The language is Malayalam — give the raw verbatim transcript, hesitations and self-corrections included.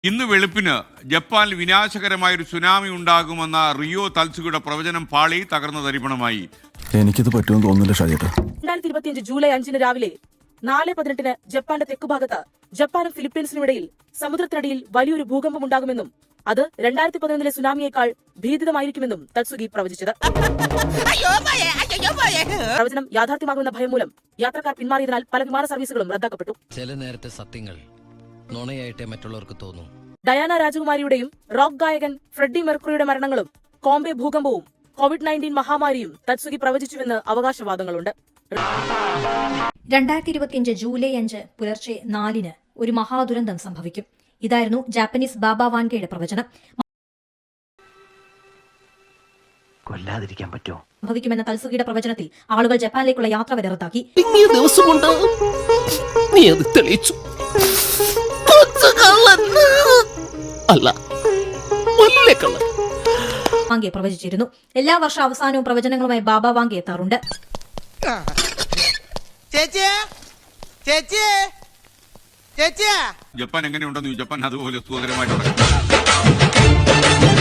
ഇന്ന് വെളുപ്പിന് ജപ്പാനിൽ വിനാശകരമായൊരു സുനാമി ഉണ്ടാകുമെന്ന റിയോ തൽസുഗയുടെ പ്രവചനം പാളി തകർന്ന തരിപ്പണമായി. എനിക്കിത് പറ്റുമെന്ന് തോന്നുന്നില്ല ഷാജേട്ടാ. രണ്ടായിരത്തി ഇരുപത്തിയഞ്ച് ജൂലൈ അഞ്ചിന് രാവിലെ നാല് പതിനെട്ടിന് ജപ്പാന്റെ തെക്കുഭാഗത്ത് ജപ്പാനും ഫിലിപ്പീൻസിനുമിടയിൽ സമുദ്രത്തിനടിയിൽ വലിയൊരു ഭൂകമ്പം ഉണ്ടാകുമെന്നും അത് രണ്ടായിരത്തി പതിനൊന്നിലെ സുനാമിയേക്കാൾ ഭീതിതമായിരിക്കുമെന്നും തത്സുഗി പ്രവചിച്ചത്. പ്രവചനം യാഥാർത്ഥ്യമാകുന്ന ഭയം മൂലം യാത്രക്കാർ പിന്മാറിയതിനാൽ പല വിമാന സർവീസുകളും റദ്ദാക്കപ്പെട്ടു. ചില നേരത്തെ സത്യങ്ങൾ നുണയായിട്ടേ മറ്റുള്ളവർക്ക് തോന്നും. ഡയാന രാജകുമാരിയുടെയും റോക്ക് ഗായകൻ ഫ്രെഡി മെർക്കുറിയുടെ മരണങ്ങളും കോംബെ ഭൂകമ്പവും കോവിഡ് നയൻറ്റീൻ മഹാമാരിയും തത്സുഗി പ്രവചിച്ചുവെന്ന് അവകാശവാദങ്ങളുണ്ട്. രണ്ടായിരത്തി ഇരുപത്തിയഞ്ച് ജൂലൈ അഞ്ച് പുലർച്ചെ നാലിന് ഒരു മഹാദുരന്തം സംഭവിക്കും. ഇതായിരുന്നു ജാപ്പനീസ് ബാബ വാൻഗയുടെ പ്രവചനം. കൊല്ലാതിരിക്കാൻ പറ്റുമോ? സംഭവിക്കുമെന്ന തൽസുഗിയുടെ പ്രവചനത്തിൽ ആളുകൾ ജപ്പാനിലേക്കുള്ള യാത്ര വരെ റദ്ദാക്കി. വാങ്കെ പ്രവചിച്ചിരുന്നു. എല്ലാ വർഷ അവസാനവും പ്രവചനങ്ങളുമായി ബാബ വാങ്കെ എത്താറുണ്ട്. ജപ്പാൻ എങ്ങനെയുണ്ടെന്ന് ജപ്പാൻ അതുപോലെ സുഖകരമായിട്ട്